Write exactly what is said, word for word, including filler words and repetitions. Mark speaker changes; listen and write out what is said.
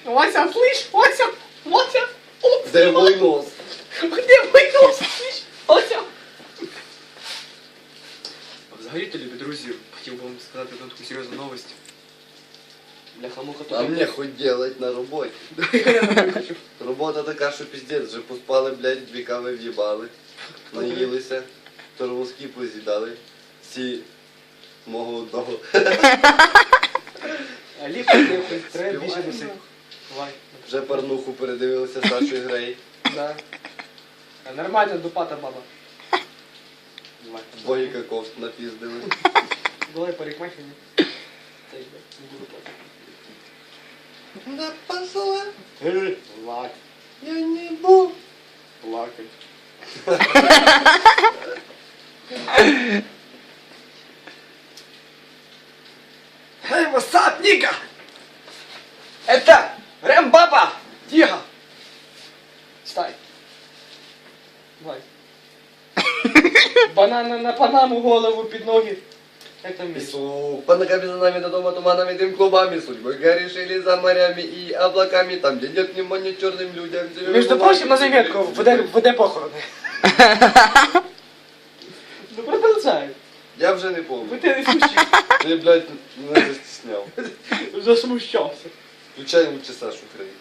Speaker 1: Вася, слышь, Вася, Вася, Вася.
Speaker 2: Де мой нос?
Speaker 1: Где мой нос, слышь, Вася? Взагалі-то, любі друзі, хотів би вам сказати одну таку серйозну новость. Бляха-муха тут.
Speaker 2: А мне хоть делать на роботі.
Speaker 1: Я не хочу.
Speaker 2: Робота така, що піздець, вже поспали, блядь, дві кави в'їбали, наїлися, тормозки поз'їдали, всі мого одного.
Speaker 1: А ліпо, ліпо, треба більше досить. Давай.
Speaker 2: Вже парнуху передивилися Сашою Грей.
Speaker 1: Да. А нормально, дупата баба. Давай.
Speaker 2: Богіка кофт напіздили.
Speaker 1: Давай парикмахерні. Так, не буду плакати.
Speaker 2: Да пошла.
Speaker 1: Лак.
Speaker 2: Я не буду.
Speaker 1: Плакать. Эй, васап, Ника! Это Рэм-баба! Тихо! Стай. Давай. Банана на панаму, голову під ноги. Як там місце?
Speaker 2: Песок, по ногами за нами до дома туманами, дым клубами, судьбы горешили за морями и облаками, там, где нет внимания черным людям.
Speaker 1: Между прочим, на заметку, веде, веде похорони. Ну продолжай.
Speaker 2: Я вже не помню.
Speaker 1: Ви ти не смущав.
Speaker 2: Ти, блядь, мене застісняв.
Speaker 1: Засмущався.
Speaker 2: Включай лучше Сашу Грей.